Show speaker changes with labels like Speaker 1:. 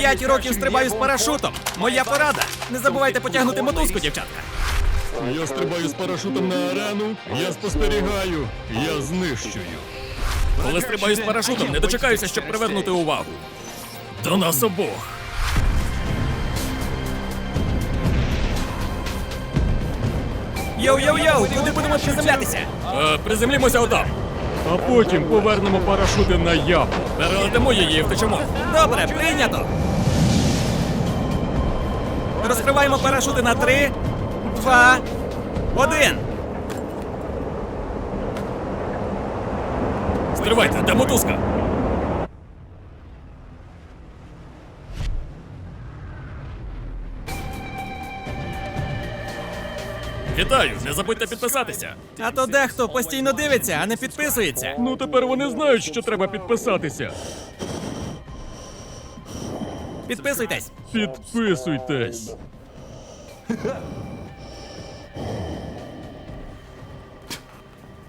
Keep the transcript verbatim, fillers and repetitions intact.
Speaker 1: П'ять років стрибаю з парашутом. Моя порада. Не забувайте потягнути мотузку, дівчатка.
Speaker 2: Я стрибаю з парашутом на арену, я спостерігаю, я знищую.
Speaker 1: Коли стрибаю з парашутом, не дочекаюся, щоб привернути увагу. До нас обох. Йоу-йоу-йоу, куди будемо приземлятися? Е, приземлімося отам.
Speaker 2: А потім повернемо парашути на яму.
Speaker 1: Перелетимо її і втечемо. Добре, прийнято. Розкриваємо парашути на три, два, один.
Speaker 2: Стривайте, де мотузка?
Speaker 1: Вітаю, не забудьте підписатися. А то дехто постійно дивиться, а не підписується.
Speaker 2: Ну тепер вони знають, що треба підписатися.
Speaker 1: Підписуйтесь.
Speaker 2: Підписуйтесь.